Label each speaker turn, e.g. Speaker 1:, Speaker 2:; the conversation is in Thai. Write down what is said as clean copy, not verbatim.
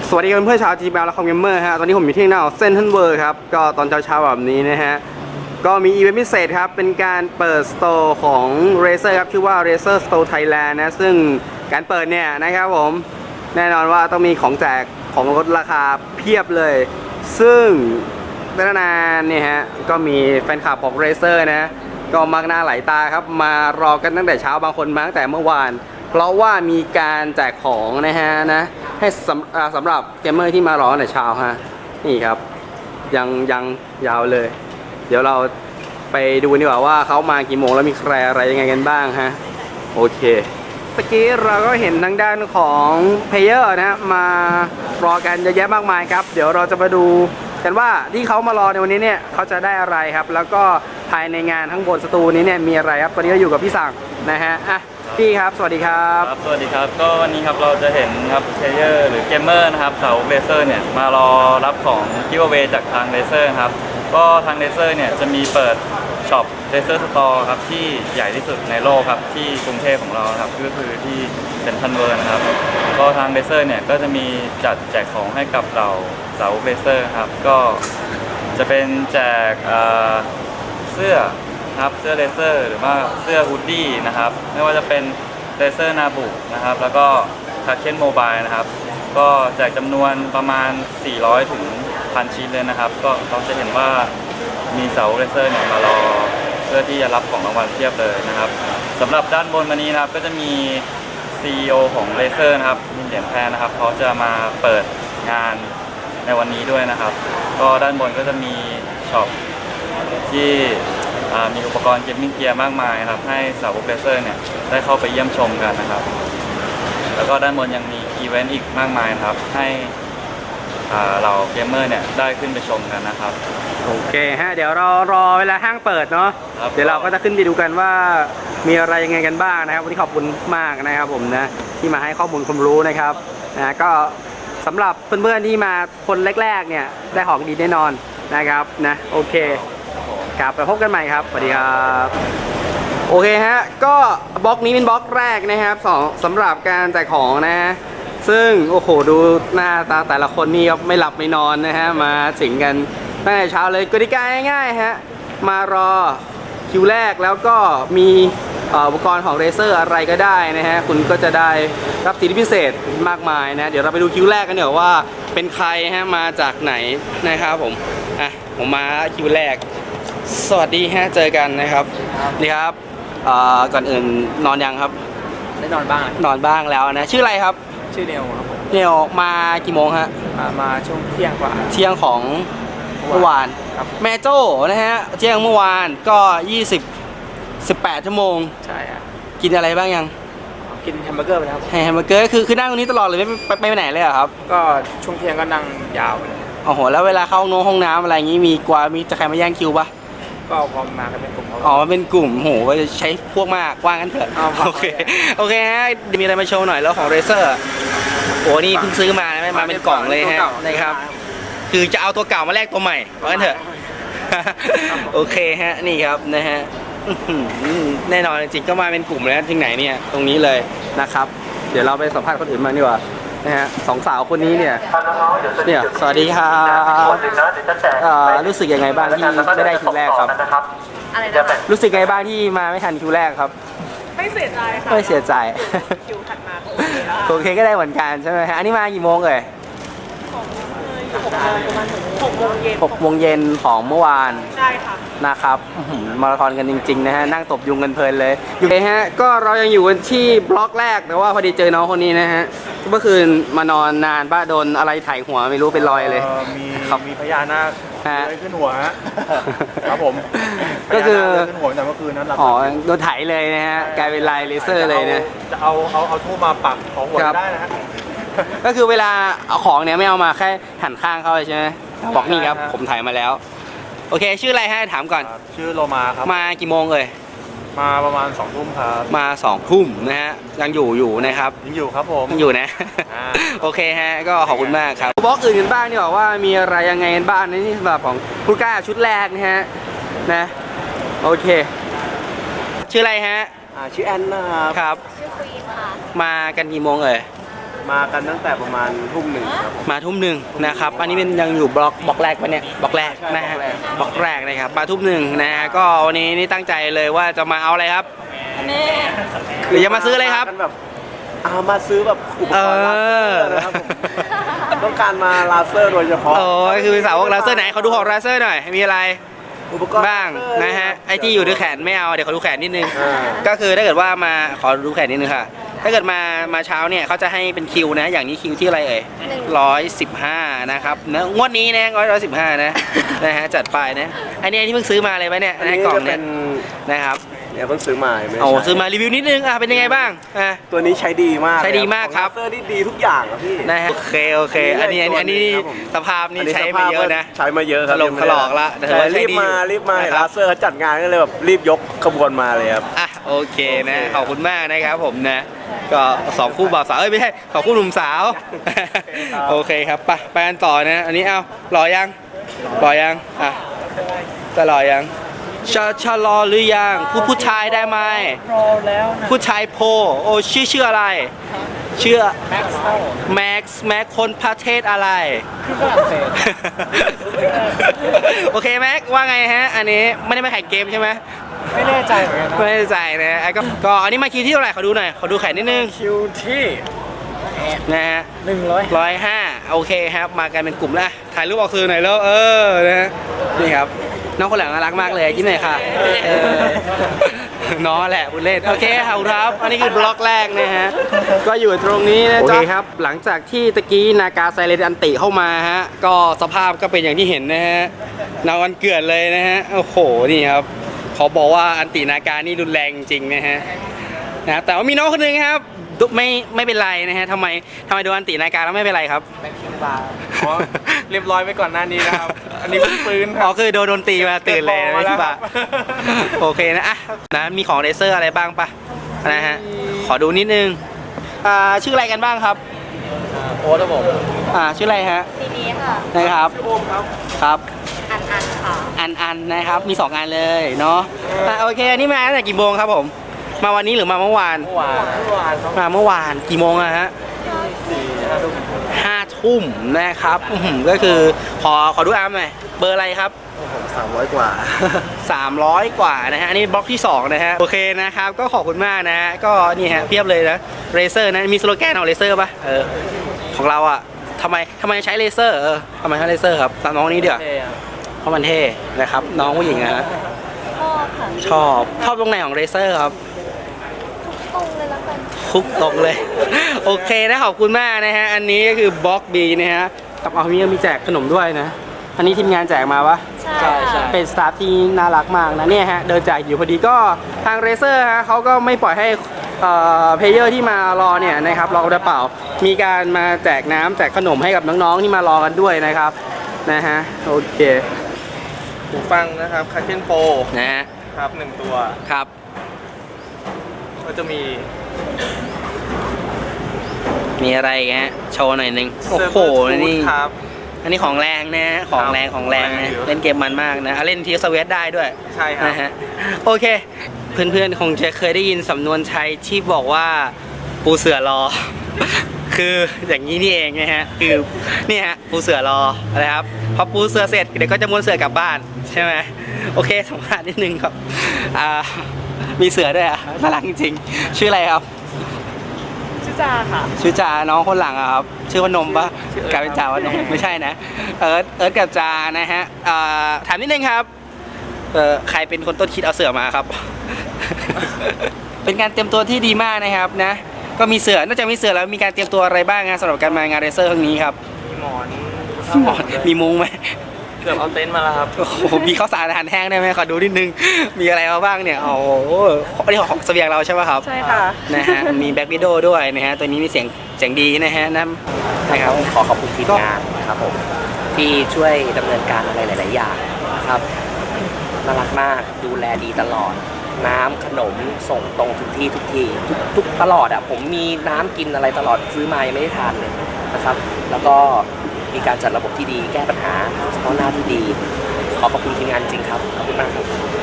Speaker 1: สวัสดีเพื่อนๆชาวจีบและคอมเกมเมอร์ฮะตอนนี้ผมอยู่ที่หน้าเซ็นทรัลเวิลด์ครับก็ตอนเช้าๆแบบนี้นะฮะก็มีอีเวนต์พิเศษครับเป็นการเปิดสโตร์ของ Razer ครับชื่อว่า Razer Store Thailand นะซึ่งการเปิดเนี่ยนะครับผมแน่นอนว่าต้องมีของแจกของลดราคาเพียบเลยซึ่งนานๆเนี่ยฮะก็มีแฟนคลับของ Razer นะก็มักหน้าไหลตาครับมารอกันตั้งแต่เช้าบางคนมาตั้งแต่เมื่อวานเพราะว่ามีการแจกของนะฮะให้สำหรับเกมเมอร์ที่มารอตั้งแต่เช้าฮะนี่ครับยังยาวเลยเดี๋ยวเราไปดูดีกว่าว่าเขามากี่โมงแล้วมีใครอะไรยังไงกันบ้างฮะโอเคเมื่อกี้เราก็เห็นทางด้านของเพลเยอร์นะมารอกันเยอะแยะมากมายครับเดี๋ยวเราจะมาดูกันว่าที่เขามารอในวันนี้เนี่ยเขาจะได้อะไรครับแล้วก็ภายในงานทั้งบนสตูนี้เนี่ยมีอะไรครับตอนนี้เราอยู่กับพี่สั่งนะฮะอ่ะพี่ครับสวัสดีครับ
Speaker 2: สวัสดีครับก็วันนี้ครับเราจะเห็นครับเพลเยอร์หรือเกมเมอร์นะครับสาวเลเซอร์เนี่ยมารอรับของกิฟต์เอาไว้จากทางเลเซอร์ครับก็ทางเลเซอร์เนี่ยจะมีเปิดช็อปเลเซอร์สตอร์ครับที่ใหญ่ที่สุดในโลกครับที่กรุงเทพของเราครับก็คือที่เซ็นทรัลเวิลด์นะครับก็ทางเลเซอร์เนี่ยก็จะมีจัดแจกของให้กับเราสาวเลเซอร์ครับก็จะเป็นแจกเสื้อครับเสื้อเลเซอร์หรือว่าเสื้อฮูดดี้นะครับไม่ว่าจะเป็นเลเซอร์นาบุนะครับแล้วก็คาเคนโมบายนะครับก็แจกจำนวนประมาณ400ถึง1,000ชิ้นเลยนะครับก็เราจะเห็นว่ามีเสาเลเซอร์เนี่ยมารอเพื่อที่จะรับของรางวัลเพียบเลยนะครับสำหรับด้านบนวันนี้นะครับก็จะมี CEO ของเลเซอร์นะครับมินเหรียญแพรนะครับเขาจะมาเปิดงานในวันนี้ด้วยนะครับก็ด้านบนก็จะมีช็อปที่มีอุปกรณ์เกมมิ่งเกียร์มากมายครับให้สาวกเลเซอร์เนี่ยได้เข้าไปเยี่ยมชมกันนะครับแล้วก็ด้านบนยังมีอีเวนต์อีกมากมายครับให้เราเกมเมอร์เนี่ยได้ขึ้นไปชมกันนะครับ
Speaker 1: โอเคฮะเดี๋ยวเรารอเวลาห้างเปิดเนาะเดี๋ยวเราก็จะขึ้นไปดูกันว่ามีอะไรยังไงกันบ้างนะครับวันนี้ขอบคุณมากนะครับผมนะที่มาให้ข้อมูลความรู้นะครับนะก็สำหรับเพื่อนๆที่มาคนแรกๆเนี่ยได้ของดีแน่นอนนะครับนะโอเคครับไปพบกันใหม่ครับสวัสดีครับโอเคฮะก็บล็อกนี้เป็นบล็อกแรกนะครับสำหรับการแจกของนะซึ่งโอ้โหดูหน้าตาแต่ละคนนี่ครับไม่หลับไม่นอนนะฮะมาสิงกันตั้งแต่เช้าเลยกติกาง่ายๆฮะมารอคิวแรกแล้วก็มีอุปกรณ์ของเรเซอร์อะไรก็ได้นะฮะคุณก็จะได้รับสิทธิพิเศษมากมายนะเดี๋ยวเราไปดูคิวแรกกันเดี๋ยวว่าเป็นใครฮะมาจากไหนนะครับผมมาคิวแรกสวัสดีฮะเจอกันนะครับนี่ครับก่อนอื่นนอนยังครับ
Speaker 3: ได้นอนบ้าง
Speaker 1: นอนบ้างแล้วนะชื่ออะไรครับ
Speaker 3: ชื่อเนวครับผม
Speaker 1: เนวมากี่โมงฮะ
Speaker 3: มาช่วงเที่ยงกว่า
Speaker 1: เที่ยงของเมื่อวานแม่โจ้นะฮะเที่ยงเมื่อวานก็18 ชั่วโมง
Speaker 3: ใช่ครับ
Speaker 1: กินอะไรบ้างยัง
Speaker 3: กินแฮมเบอร์เกอร์ไปแล้ว
Speaker 1: แฮมเบอร์เกอร์คือนั่งตรงนี้ตลอดเลยไม่ไปไหนเลยเหรอครับ
Speaker 3: ก็ช่วงเที่ยงก็นั่งยาวเลย
Speaker 1: โอ้โหแล้วเวลาเข้าห้องน้ำอะไรอย่างงี้มีจะใครมาแย่งคิวปะ
Speaker 3: ก็พอมากันเป็นกลุ่ม
Speaker 1: อ๋อเป็นกลุ่มโหใช้พวกมากว่างั้นเถอะโอเคฮะมีอะไรมาโชว์หน่อยแล้วของเรเซอร์โอ้นี่เพิ่งซื้อมาไม่มาเป็นกล่องเลยฮะนะครับคือจะเอาตัวเก่ามาแลกตัวใหม่ว่างั้นเถอะโอเคฮะนี่ครับนะฮะแน่นอนจริงๆก็มาเป็นกลุ่มแล้วที่ไหนเนี่ยตรงนี้เลยนะครับเดี๋ยวเราไปสัมภาษณ์คนอื่นมาดีกว่านะฮะสองสาวคนนี้เนี่ยสวัสดีครับรู้สึกยังไงบ้างที่ไม่ได้คิวแรกครับรู้สึกยังไงบ้างที่มาไม่ทันคิวแรกครับ
Speaker 4: ไม่เสียใจค่ะ
Speaker 1: ไม่เสียใจ
Speaker 4: คิวถัดมา
Speaker 1: โอเคก็ได้เหมือนกันใช่ไหมฮะอันนี้มากี่โมงเลย6 โมงเย็นของเมื่อวาน
Speaker 4: ใช่ค่ะ
Speaker 1: นะครับมาราธอนกันจริงๆนะฮะนั่งตบยุงกันเพลินเลยอยู่เลยฮะก็เรายังอยู่กันที่บล็อกแรกแต่ว่าพอดีเจอน้องคนนี้นะฮะเมื่อคืนมานอนนานบ้าโดนอะไรถ่ายหัวไม่รู้เป็นรอยเลย
Speaker 3: มีพญานาคเลยขึ้นหัวครับผม
Speaker 1: ก็คือ
Speaker 3: ขึ้นหัวแต่เมื่อคืนนั้น
Speaker 1: อ๋อโดนถ่ายเลยนะฮะกลายเป็นลายเลเซอร์เลยนะ
Speaker 3: จะเอาทูบมาปักของหัวได้นะฮะ
Speaker 1: ก็คือเวลาเอาของเนี่ยไม่เอามาแค่หันข้างเข้าใช่ไหมบอกนี่ครับผมถ่ายมาแล้วโอเคชื่ออะไรให้ถามก่อน
Speaker 3: ชื่อโลมาครับ
Speaker 1: มากี่โมงเลย
Speaker 3: มาประมาณ2 ทุ่มครับ
Speaker 1: มา2 ทุ่มนะฮะยังอยู่นะครับ
Speaker 3: ยังอยู่ครับผม
Speaker 1: ยังอยู่นะโอเคฮะก็ขอบคุณมากครับบล็อกอื่นกันบ้างดีกว่าว่ามีอะไรยังไงกันบ้างนี่สำหรับของผู้กล้าชุดแรกนะฮะนะโอเคชื่ออะไรฮะ
Speaker 3: ชื่อแอนนะครับ
Speaker 1: ชื่อควีนค่ะมากันกี่โมงเอ่ย
Speaker 3: มากันตั้งแต่ประมาณทุ่มหนึ่งครับ
Speaker 1: มาทุ่มหนึ่งนะครับ อันนี้เป็นยังอยู่บล็อกแรกปะเนี่ยบล็อกแรกนะฮะบล็อกแรกนะครับมาทุ่มหนึ่งนะฮะก็วันนี้นี่ตั้งใจเลยว่าจะมาเอาอะไรครับหรือจะมาซื้ออะไรครับ
Speaker 3: กันแบบเอามาซื้อแบบอุปกรณ์ลาเซอร์นะครับผมต้องการมาลาเซอร์โดยเฉพาะ
Speaker 1: โอ้ยคือเป็นสาวกลาเซอร์ไหนเขาดูของลาเซอร์หน่อยมีอะไร
Speaker 3: อุปกรณ์
Speaker 1: บ้างนะฮะไอที่อยู่ที่แขนไม่เอาเดี๋ยวขอดูแขนนิดนึง
Speaker 3: อ่า
Speaker 1: ก็คือถ้าเกิดว่ามาขอดูแขนนิดนึงค่ะ ถ้าเกิดมาเช้าเนี่ยเขาจะให้เป็นคิวนะ อย่างนี้คิวที่อะไรเอ่ย115นะครับนะงวดนี้นะ115นะนะฮะจัดไปนะอันนี้ที่เพิ่งซื้อมาเลยไหมเนี่ย
Speaker 3: อัน
Speaker 1: ใน
Speaker 3: นี้
Speaker 1: กล่อง
Speaker 3: จะ
Speaker 1: เนี่
Speaker 3: เป็
Speaker 1: ย
Speaker 3: น
Speaker 1: นะครับ
Speaker 3: เนี่ยเพิ่งซื้อมาไม่ได้
Speaker 1: โอ้
Speaker 3: ใช้
Speaker 1: ซื้อมารีวิวนิดนึงเป็นยังไงบ้าง
Speaker 3: ตัวนี้ใช้ดีมาก
Speaker 1: ใช้ดีมากครับ
Speaker 3: ลาเซอร์นี่ดีทุกอย่างครับพี่
Speaker 1: นะฮะโอเคอันนี้
Speaker 3: ครับผม
Speaker 1: สภาพนี่ใช้มาเยอะนะ
Speaker 3: ใช้มาเยอะครับ
Speaker 1: ถลอกละแต่ถือว่าใช้
Speaker 3: รีบ
Speaker 1: ดี
Speaker 3: มา
Speaker 1: อยู่
Speaker 3: รีบมา
Speaker 1: นะครับ
Speaker 3: ลาเซอร์เขาจัดงานก็เลยแบบรีบยกขบวนมาเลยครับ
Speaker 1: อ่ะโอเคนะขอบคุณมากนะครับผมนะก็2คู่บ่าวสาวไม่ใช่2คู่หนุ่มสาว โอเคครับไปกันต่อนะอันนี้เอารอยังอ่ะจะรอยังชะรอหรือยังผู้ชายได้ไหมรอแล้วนะผู้ชายโพโอ้ชื่ออะไรชื่อแม็กซ์คนประเทศอะไรคือฝรั่งเศส โอเคแม็กว่าไงฮะอันนี้ไม่ได้มาแข่งเกมใช่ไหม
Speaker 3: ไม่แน่ใจเหมือนกันนะ
Speaker 1: ไม่แน่ใจนะก็อันนี้มาคิวที่เท่าไหร่ขอดูหน่อยขอดูแขนนิดนึง
Speaker 3: คิวที่
Speaker 1: นะฮะ 105โอเคครับมากันเป็นกลุ่มแล้วถ่ายรูปออกสื่อหน่อยแล้วนะนี่ครับน้องคนหลังน่ารักมากเลยยิ้มหน่อยค่ะน้องแหละบุญเล่นโอเคครับอันนี้คือบล็อกแรกนะฮะก็อยู่ตรงนี้นะจ๊ะครับหลังจากที่ตะกี้นากาไซเลนอันติเข้ามาฮะก็สภาพก็เป็นอย่างที่เห็นนะฮะนาวันเกลือนเลยนะฮะโอ้โหนี่ครับเขาบอกว่าอันตินาการนี่รุนแรงจริงนะฮะแต่ว่ามีน้องคนหนึ่งครับไม่เป็นไรนะฮะทำไมโดนอันตินาการแล้วไม่เป็นไรครับ
Speaker 3: อ๋อเรียบร้อยไปก่อนหน้านี้นะครับ อันนี้เพิ่งฟื้นค
Speaker 1: อ๋
Speaker 3: รั
Speaker 1: อบ คือโดนตีมาตื่นเลยนะพี่บ่าโอเคนะนะมีของเลเซอร์อะไรบ้างปะนะฮะขอดูนิดนึงชื่ออะไรกันบ้างครับ
Speaker 3: โอ้ครับผม
Speaker 1: ชื่ออะไรฮะ
Speaker 4: ทีนี้ค่ะ
Speaker 1: นะครับ
Speaker 3: ชื่อโอมครับ
Speaker 1: ครับ
Speaker 4: อันค่ะ
Speaker 1: อันนะครับมี2อันเลยเนาะโอเคอันนี้มาตั้งแต่กี่โมงครับผมมาวันนี้หรือมาเมื่อวาน
Speaker 3: เมื่อวานครับ
Speaker 1: มาเมื่อวานกี่โมงอะฮะ5 ทุ่มนะครับก็คือขอดูอาร์มหน่อยเบอร์อะไรครับ
Speaker 3: ผม300 กว่า
Speaker 1: 300 กว่านะฮะอันนี้บล็อกที่2นะฮะโอเคนะครับก็ขอบคุณมากนะฮะก็นี่ฮะเพียบเลยนะเรเซอร์นะมีสโลแกนของเรเซอร์ป่ะของเราอะทำไมใช้เรเซอร์ทำไมใช้เรเซอร์ครับน้องนี้เดี๋ยวเพราะมันเท่นะครับน้องผู้หญิงนะฮะ
Speaker 4: ชอบค่ะ
Speaker 1: ชอบตรงไหนของเรเซอร์ครับ
Speaker 4: ตรงเลยแล้วกัน
Speaker 1: คุกตรงเลย โอเคนะขอบคุณมากนะฮะอันนี้ก็คือบล็อกบีนะฮะกับเอามีแจกขนมด้วยนะอันนี้ทีมงานแจกมาปะ
Speaker 4: ใช่ค่ะ
Speaker 1: เป็นสตาฟที่น่ารักมากนะเนี่ยฮะเดินแจกอยู่พอดีก็ทางเรเซอร์ฮะเขาก็ไม่ปล่อยให้เพลเยอร์ที่มารอเนี่ยนะครับรอกระเป๋ามีการมาแจกน้ำแจกขนมให้กับน้องๆที่มารอกันด้วยนะครับนะฮะโอเค
Speaker 3: หูฟังนะครับคาเคนโป
Speaker 1: นะฮะ
Speaker 3: ครับ1ตัว
Speaker 1: ครับ
Speaker 3: ก็จะมี
Speaker 1: มีอะไรอีกฮะโชว์หน่อยหนึงโอ้โห
Speaker 3: Server
Speaker 1: นี่
Speaker 3: Tooth ครับ
Speaker 1: อันนี้ของแรงนะของแรง
Speaker 3: ของ
Speaker 1: นะ
Speaker 3: แรงอยู่
Speaker 1: เล่นเกมมันมากนะเล่นทีสเวตได้ด้วย
Speaker 3: ใช่ครับ
Speaker 1: นะฮะโอเค เพื่อนๆคงจะเคยได้ยินสำนวนไทยที่บอกว่าปูเสือรอ คืออย่างนี้นี่เองนะฮะคือนี่ฮะปูเสือรอนะครับพอปูเสือเสร็จเดี๋ยวก็จะม้วนเสือกลับบ้านใช่ไหมโอเคสัมภาษณ์นิดนึงครับมีเสือด้วยน่ารักจริงๆชื่ออะไรครับ
Speaker 4: ชื่อจาค่ะ
Speaker 1: ชื่อจาน้องคนหลังอะครับชื่อว่านมปะกลายเป็นจาว่านมไม่ใช่นะเอิร์ธกับจานะฮะถามนิดนึงครับใครเป็นคนต้นคิดเอาเสือมาครับ เป็นการเตรียมตัวที่ดีมากนะครับนะก็มีเสือนอกจากมีเสือแล้วมีการเตรียมตัวอะไรบ้างสำหรับการมางานเรเซอร์ครั้งนี้ครับ
Speaker 3: มีหมอน
Speaker 1: มีมุ้งไหม
Speaker 3: เกือบเอาเต็นท์มาแล้วครับ
Speaker 1: โอ้โหมีข้าวสารอาหารแห้งได้ไหมขอดูนิดนึงมีอะไรมาบ้างเนี่ยโอ้โหอันนี้ของเสบียงเราใช่ป่ะครับ
Speaker 4: ใช่ค่ะ
Speaker 1: นะฮะมีแบ็กวิดโอด้วยนะฮะตัวนี้มีเสียงดีนะฮะนะครับ
Speaker 5: ขอขอบคุณทีมงานนะครับผมที่ช่วยดำเนินการอะไรหลาย ๆ อย่างนะครับน่ารักมากดูแลดีตลอด น้ำขนมส่งตรงถึงที่ทุกทีทุกตลอดอ่ะผมมีน้ำกินอะไรตลอดซื้อมายังไม่ได้ทานเลยนะครับ แล้วก็มีการจัดระบบที่ดีแก้ปัญหาเฉพาะหน้าที่ดี ขอขอบคุณทีมงานจริงครับขอบคุณมากครับ